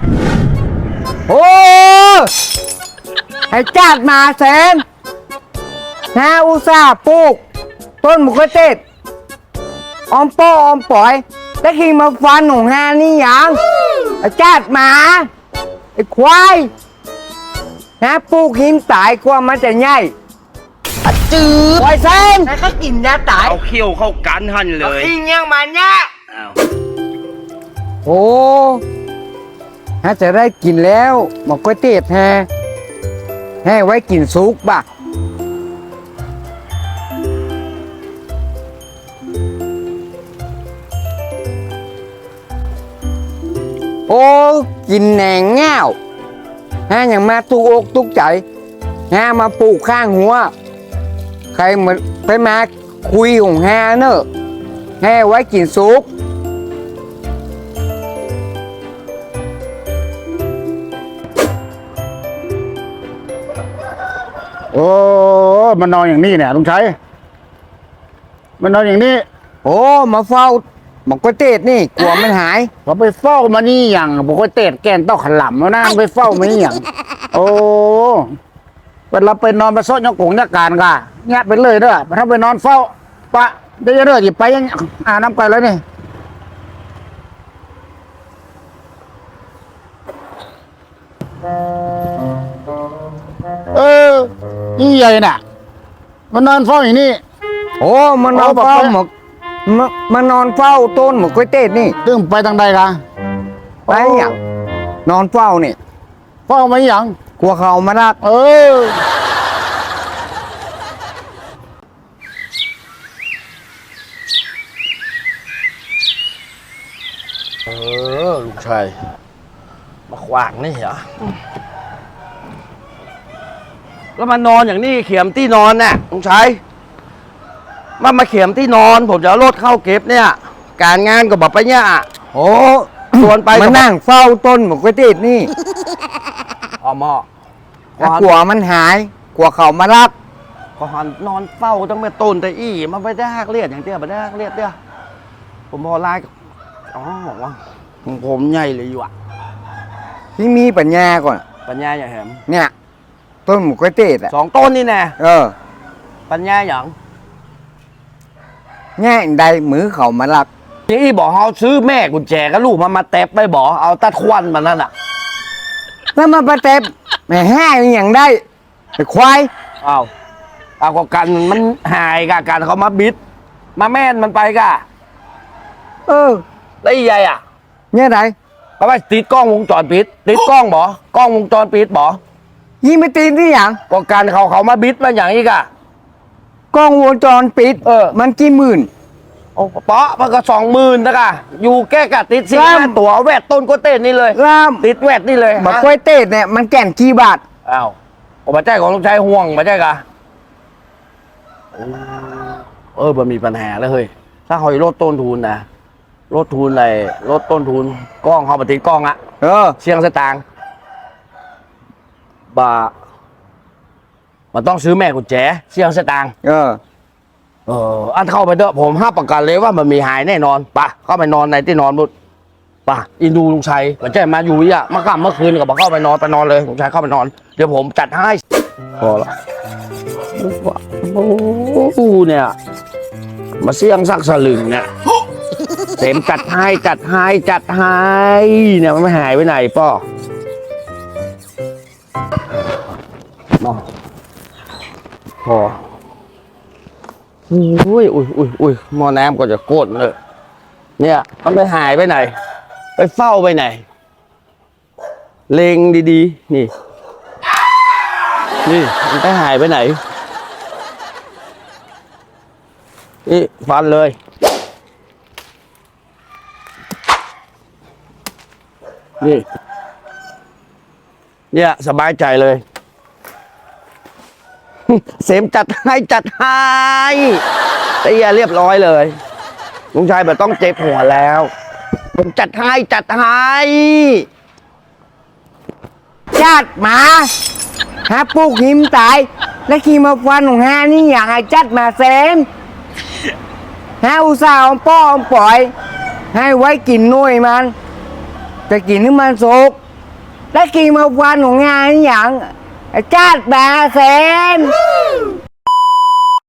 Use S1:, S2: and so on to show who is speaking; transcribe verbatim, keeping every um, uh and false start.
S1: โอ้ให้จัดมาแสนนะอุตส่าห์ปลูกต้นมะเขือเทศออมโป้ออมปล่อยแล้วคิงมาฟันของฮานี่ยังไอ้จัดมาไอ้ควายนะปลูกหินตายกว่ามันจะใหญ่จืดไว้เส้นแล้วก็กินยาตาย
S2: เอาเขี้ยวเข้ากันหันเลย
S1: อิงยังมันเนี่ย
S2: อ้าว
S1: โอ้ฮะจะได้กินแล้วมะเขือเทศแฮให้ไว้กินซุปบ่ะโอ้กินแหนงเง่าฮะอย่างมาตุกอกตุกใจฮะมาปลูกข้างหัวใครเหมือนไปมาคุยของฮะเนอะให้ไว้กินซุป
S3: โอ้มันนอนอย่างนี้เนี่ยลุงชัยมันนอนอย่างนี้
S1: โอ้มาเฝ้าหมอกเทศนี่กลัวมันหาย
S3: เขาไปเฝ้ามานี่อย่างบอกว่าเตะแกนต้องขลำแล้วนะไปเฝ้ามานี่อย่างโอ้เวลาไปนอนไปโซนยกกงยักการกะเงี้ยไปเลยเด้อถ้าไปนอนเฝ้าปะเดี๋ยวเด้อหยิบไปยังอ่าน้ำไก่แล้วนี่เออนี่ใหญ่น่ะมันนอนเฝ้าอย่างนี้
S1: โอ้มานอนเฝ้าหมอกมามานอนเฝ้าต้นหมอกเทศนี่
S3: ตึ้งไปทางใดกะ
S1: ไปอย่างนอนเฝ้านี่
S3: เฝ้ามาอย่าง
S1: กลัวเขามารัก
S3: เออเออลูกชายมาขวางนี่เหรอแล้วมานอนอย่างนี้เขียมที่นอนน่ะลุงชัยมามาเขียมที่นอนผมจะเอารถเข้าเก็บเนี่ยการงานก็บอกไปเนี่ย
S1: โอ้
S3: ชวนไป
S1: มานั่งเฝ้าต้นหมอกเทศนี่
S3: อ๋อหมอ
S1: แล้วกลัวมันหายกลัวเขามารัก
S3: ก็หันนอนเฝ้าตั้งแต่ต้นแต่อี้มาไปได้ฮักเลียดอย่างเดียวไปได้ฮักเลียดเดียวผมพอไล่อ๋อบอกว่าของผมใหญ่เลยอยู่อ่ะ
S1: ที่มีปัญญาก่อน
S3: ปัญญาอย่างแหม
S1: เนี่ยต้นหมอกเทศอ่ะ
S3: สองต้นนี่แน่
S1: เออ
S3: ปัญญาอย่าง
S1: ง่ายใดมือเขามารัก
S3: นี่บอกเขาซื้อแม่กุญแจกับลูกมามาแตบไปบอกเอาตัดควันมันนั่นอ่ะ
S1: แล้วมาประเทศแม่ห้าอย่างได้ไอ้ควาย
S3: เอาเอาก็กันมันหายกะกันเขามาบิด มาแม่นมันไปกะ
S1: เออ
S3: แล้วอีใหญ่อ่ะ
S1: เนี่ยไหน
S3: เขาไปติดกล้องวงจรปิด ติดกล้องบ่กล้องวงจรปิดบ่
S1: ยิงไปตีนที่อย่าง
S3: ก็การเขาเขามาบิดมาอย่างอีกอ่ะ
S1: กล้องวงจรปิด
S3: เออ
S1: มันกี่หมื่น
S3: โอ้เปาะมันก็สองหมื่นนะกะอยู่แก้กะติดสิ
S1: ครับ
S3: ห้าตัวเอาแวดต้นโกเต้นนี่เลย
S1: ล่าม
S3: ติดแวดนี่เลย
S1: บัก
S3: ฮะ
S1: กล้วยเตดเนี่ยมันแก่นกี่บาท
S3: อ้าวโอ้มาใจของลูกชายห่วงมาใจกะโอ้เออมันมีปัญหาแล้วเฮ้ยถ้าเขาลดต้นทุนนะลดทุนอะไรลดต้นทุนกล้องเขามาติดกล้องอะ
S1: เออ
S3: เชียงสตางค์บามันต้องซื้อแม่กุญแจเชียงสตางค์
S1: เออ
S3: เอออันเข้าไปเถอะผมห้าประกันเลยว่ามันมีหายแน่นอนปะเข้าไปนอนในที่นอนบุตรปะอินดูลุงชัยมันใจมาอยู่อ่ะเมื่อกลางเมื่อคืนก็บอกเข้าไปนอนไปนอนเลยลุงชัยเข้าไปนอนเดี๋ยวผมจัดให้พอละโอ้โหเนี่ยมาเสี่ยงสักสลึงเนี่ยเต็มจัดให้จัดให้จัดให้เนี่ยมันไม่หายไปไหนป้อมาพอ อุ้ยอุ้ยอุ้ยอุ้ยหม้อน้ำก็จะโกดเลยเนี่ยมันไปหายไปไหน ไปเฝ้าไปไหน เลงดีๆ นี่ นี่มันไปหายไปไหน นี่ฟันเลย นี่ เนี่ยสบายใจเลย เสมจัดให้จัดให้แต่อย่าเรียบร้อยเลยลุงชายแบบต้องเจ็บหัวแล้วผมจัดให้จัดให้
S1: จัดมาฮะปลูกหิมตาย แล้วขี่มาฟันของฮานี่อย่างไอ้จัดมาเซมฮะอุตส่าห์เอาป้อเอาปล่อย ให้ไว้กินหน่วยมันจะกินให้มันสุกแล้วคิงมาฟันของงานอหย่างอาจารย์แปดแสน